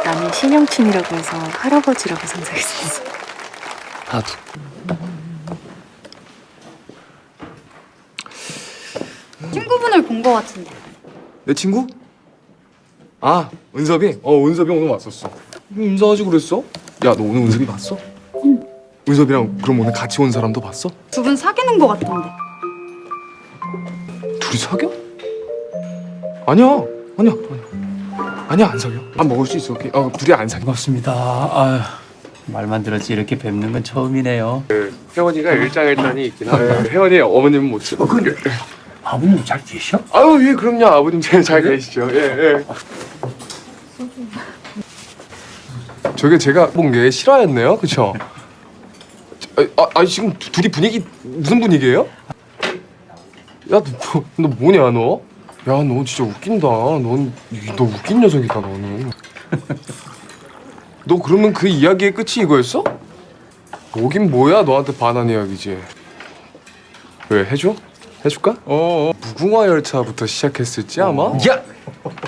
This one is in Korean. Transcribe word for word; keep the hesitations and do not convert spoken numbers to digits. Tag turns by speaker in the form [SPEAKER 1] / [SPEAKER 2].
[SPEAKER 1] 나는 신영춘이라고 해서 할아버지라고 상상했었어.
[SPEAKER 2] 나도.
[SPEAKER 3] 친구분을 본 거 같은데.
[SPEAKER 4] 내 친구? 아, 은섭이? 어, 은섭이 오늘 왔었어. 인사하지 그랬어? 야, 너 오늘 은섭이 봤어? 응. 은섭이랑 그럼 오늘 같이 온 사람도 봤어?
[SPEAKER 3] 두 분 사귀는 거 같던데.
[SPEAKER 4] 둘이 사겨? 아니야, 아니야, 아니야. 아니야, 안 사겨. 안 먹을 수 있어. 어, 둘이 안 사겨.
[SPEAKER 2] 반갑습니다. 아유, 말만 들었지 이렇게 뵙는 건 처음이네요.
[SPEAKER 4] 혜원이가 일장일단이 있긴 한데 혜원이 어머님은 못 써.
[SPEAKER 2] 어, 근데 아버님 잘 계셔?
[SPEAKER 4] 아유, 예, 그럼요. 아버님 잘, 잘 계시죠. 예, 예. 저게 제가 본 게 실화였네요, 그쵸? 아, 아, 지금 두- 둘이 분위기 무슨 분위기예요? 야, 너, 뭐, 너 뭐냐, 너? 야, 너 진짜 웃긴다. 넌, 너 웃긴 녀석이다, 너는. 너 그러면 그 이야기의 끝이 이거였어? 뭐긴 뭐야, 너한테 반한 이야기지. 왜, 해줘? 해줄까? 어어. 무궁화 열차부터 시작했을지, 아마?
[SPEAKER 2] 야!